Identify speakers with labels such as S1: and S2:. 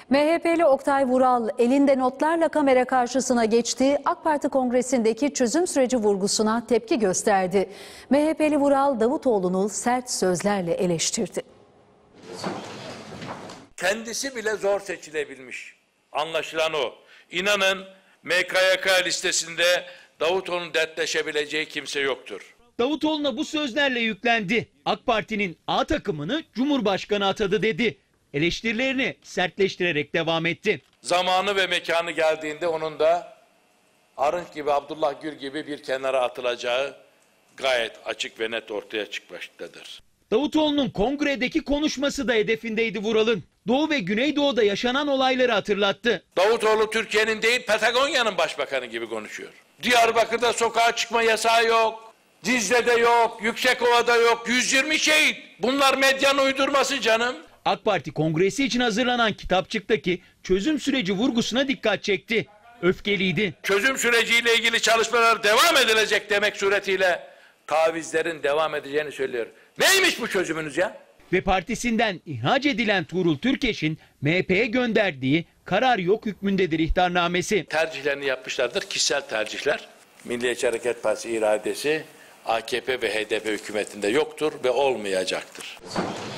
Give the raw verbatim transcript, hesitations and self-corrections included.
S1: M H P'li Oktay Vural elinde notlarla kamera karşısına geçti. AK Parti kongresindeki çözüm süreci vurgusuna tepki gösterdi. M H P'li Vural Davutoğlu'nu sert sözlerle eleştirdi.
S2: Kendisi bile zor seçilebilmiş. Anlaşılan o. İnanın M K Y K listesinde Davutoğlu'nun dertleşebileceği kimse yoktur.
S3: Davutoğlu'na bu sözlerle yüklendi. AK Parti'nin A takımını Cumhurbaşkanı atadı dedi. Eleştirilerini sertleştirerek devam etti.
S2: Zamanı ve mekanı geldiğinde onun da Arınç gibi, Abdullah Gül gibi bir kenara atılacağı gayet açık ve net ortaya çıkmaktadır.
S3: Davutoğlu'nun kongredeki konuşması da hedefindeydi Vural'ın. Doğu ve Güneydoğu'da yaşanan olayları hatırlattı.
S2: Davutoğlu Türkiye'nin değil Patagonya'nın başbakanı gibi konuşuyor. Diyarbakır'da sokağa çıkma yasağı yok. Dizle'de yok, Yüksekova'da yok. yüz yirmi şehit. Bunlar medyanın uydurması canım.
S3: AK Parti kongresi için hazırlanan kitapçıktaki çözüm süreci vurgusuna dikkat çekti. Öfkeliydi.
S2: Çözüm süreciyle ilgili çalışmalar devam edilecek demek suretiyle tavizlerin devam edeceğini söylüyor. Neymiş bu çözümünüz ya?
S3: Ve partisinden ihraç edilen Tuğrul Türkeş'in M H P'ye gönderdiği karar yok hükmündedir ihtarnamesi.
S2: Tercihlerini yapmışlardır, kişisel tercihler. Milliyetçi Hareket Partisi iradesi A K P ve H D P hükümetinde yoktur ve olmayacaktır.